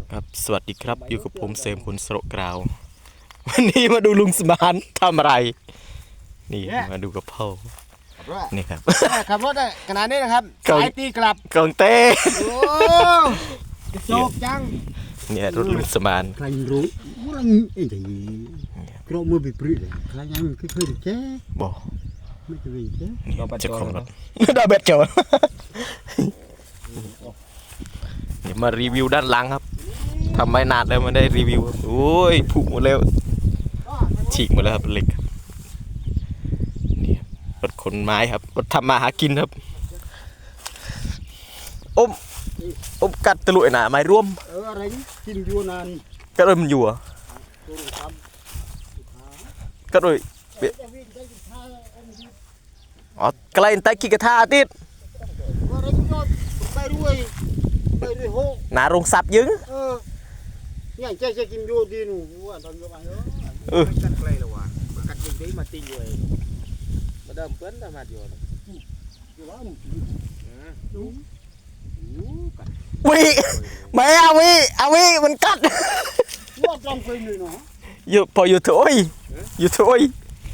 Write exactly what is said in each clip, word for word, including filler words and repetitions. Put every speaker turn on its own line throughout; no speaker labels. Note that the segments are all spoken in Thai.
ครับสวัสดีครับอยู่กับผมเสมผลสโรกราววันนี้มาดูลุงสมานทำอะไรนี่มาดูกับพ่อนี่ครับ
ขับรถได้ขนาดนี้นะครับสายตีกลับ
กองเต้
โอ้โจบจัง
เนี่ยรถลุงสมาน
ใครรู้ว่าไอ้ที่กระมือไปปลื้มเลยใครยังไม่เคยเจ๊
บอก
ไม่เคยเจ๊
เจ้าของรถดาเบ็ดโจเดี๋ยวมารีวิวด้านหลังครับทำไม่นานแล้วมาได้รีวิวโอ้ยผุหมดแล้วฉีกหมดแล้วครับเหล็กนี่รถขนไม้ครับรถทำมาหากินครับอมอมกัดตะลุยหนาไม้ร่วม
เอออะไรกินอยู่นาน
ก็เลยมันอยู่อ่ะก็เลยอ๋อกลายเป็นไตกิกระทาติด
ไปรวยไปรวยโห
หนาโรงสับยึง
เออเนี่ยเจ๊จะกินอยู่ดีหนูว่าตอนกับไอ้เออกัดไกลแล้วว่ะกัดจริงดีมาตีอยู่มาเดิมเปิ้ลทำมาอยู่อยู่ว่า
วิไม่เอาวิเอาวิมันกัด
ว่าจองไฟหน่อยเนาะ
อยู่พออยู่ถอยอยู่ถอย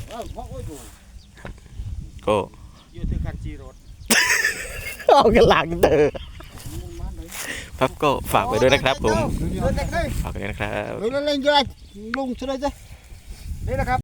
ก็
อยู่ที่คันจีรถ
เอากันหลังเด้อครับก็ฝากไว้ด้วยนะครับผมฝากไว้ด้วยนะครับ
เล่นเล่นยังไงลงเฉยๆนี่นะครับ